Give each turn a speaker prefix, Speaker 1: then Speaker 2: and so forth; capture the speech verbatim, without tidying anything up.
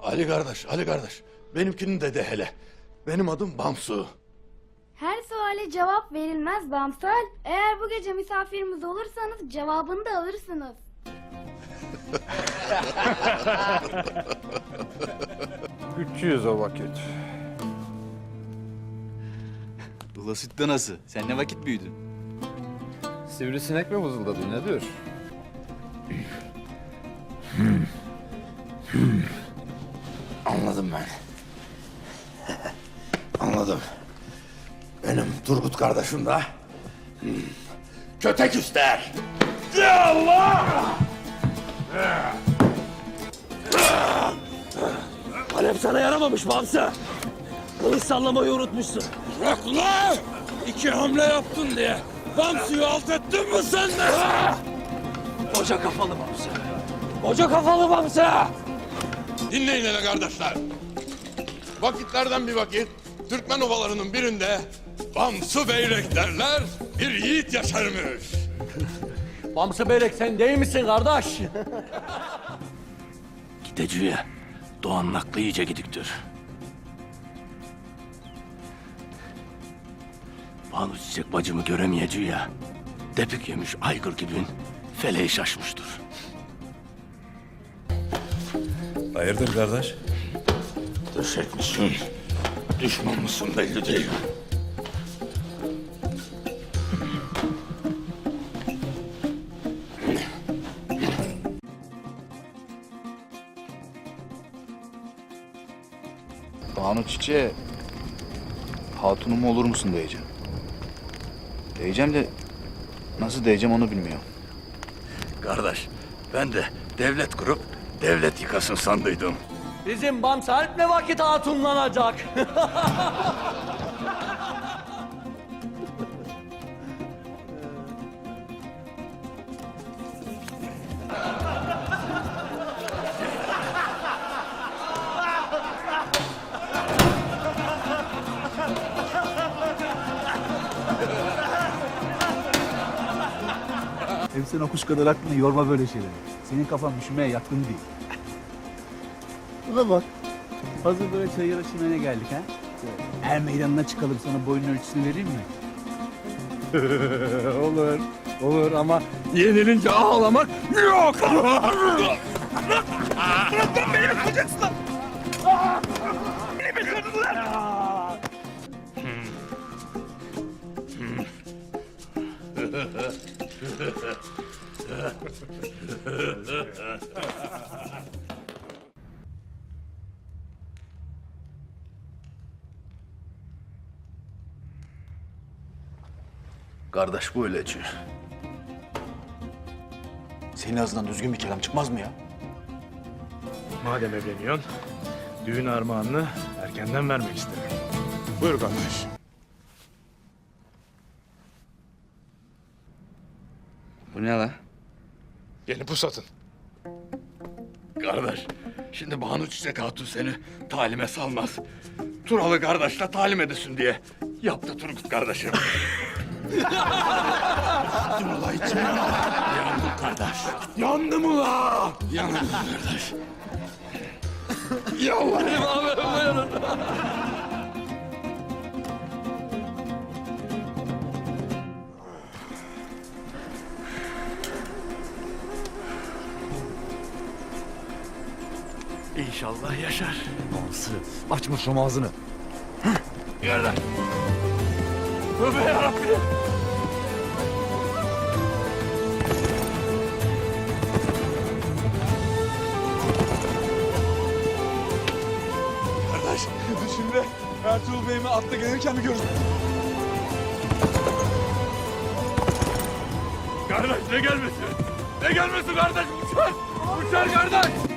Speaker 1: Ali kardeş, Ali kardeş. Benimkini de de hele. Benim adım Bamsu.
Speaker 2: Her suale cevap verilmez Bamsal. Eğer bu gece misafirimiz olursanız cevabını da alırsınız.
Speaker 3: üç yüz o vakit.
Speaker 4: Ula süt danası. Sen ne vakit büyüdün?
Speaker 3: Sivrisinek mi vızıldadı nedir?
Speaker 1: Anladım ben. Anladım. Benim Turgut kardeşim de hmm, kötek ister. Ya Allah!
Speaker 5: Kalem sana yaramamış Bamsı. Kılıç sallamayı unutmuşsun.
Speaker 1: Bırak ulan! İki hamle yaptın diye. Bamsu'yu alt ettin mi sen de?
Speaker 5: Koca kafalı Bamsı. Koca kafalı Bamsı.
Speaker 1: Dinleyin hele kardeşler. Vakitlerden bir vakit Türkmen ovalarının birinde Bamsu Beyrek derler bir yiğit yaşarmış.
Speaker 5: Bamsı Beyrek sen değil misin kardeş? Gideceği Doğan'ın aklı iyice gidiktir. Banu Çiçek bacımı göremeyeceği ya. Depik yemiş aygır gibi feleği şaşmıştır.
Speaker 1: Hayırdır kardeş? Düşek misin? Düşman mısın belli değil.
Speaker 4: Banu Çiçek'e hatunum olur musun diyeceğim. Diyeceğim de nasıl diyeceğim onu bilmiyorum.
Speaker 1: Kardeş, ben de devlet kurup devlet yıkasın sandıydım.
Speaker 5: Bizim Bamsı Alp ne vakit hatunlanacak?
Speaker 6: Hem sen okuş kadar aklını yorma böyle şeyleri. Senin kafan düşünmeye yatkın değil. Buna bak. Hazır böyle çayıra çimene geldik ha. Er meydanına çıkalım, sana boyun ölçüsünü vereyim mi?
Speaker 3: Olur, olur ama yenilince ağlamak yok.
Speaker 1: Kardeş bu öyleci.
Speaker 4: Senin ağzından düzgün bir kelam çıkmaz mı ya?
Speaker 7: Madem evleniyorsun, düğün armağanını erkenden vermek isterim.
Speaker 3: Buyur kardeş.
Speaker 4: Bu ne la?
Speaker 3: Yeni pusatın.
Speaker 1: Kardeş, şimdi Banu Çiçek Hatun seni talime salmaz. Turalı kardeşle talim edesin diye yaptı Turgut kardeşim. Yandım ula içime. Yandım kardeş. Yandım ula. Yandım kardeş. Yalvarayım abi buyurun. İnşallah yaşar.
Speaker 6: Bamsı, açma şu ağzını.
Speaker 1: Gel lan. Tövbe yarabbim. Kardeş, şimdi Ertuğrul Bey'imi atla gelirken mi gördün? Kardeş ne gelmesi? Ne gelmesi kardeş? Uçar! Uçar kardeş!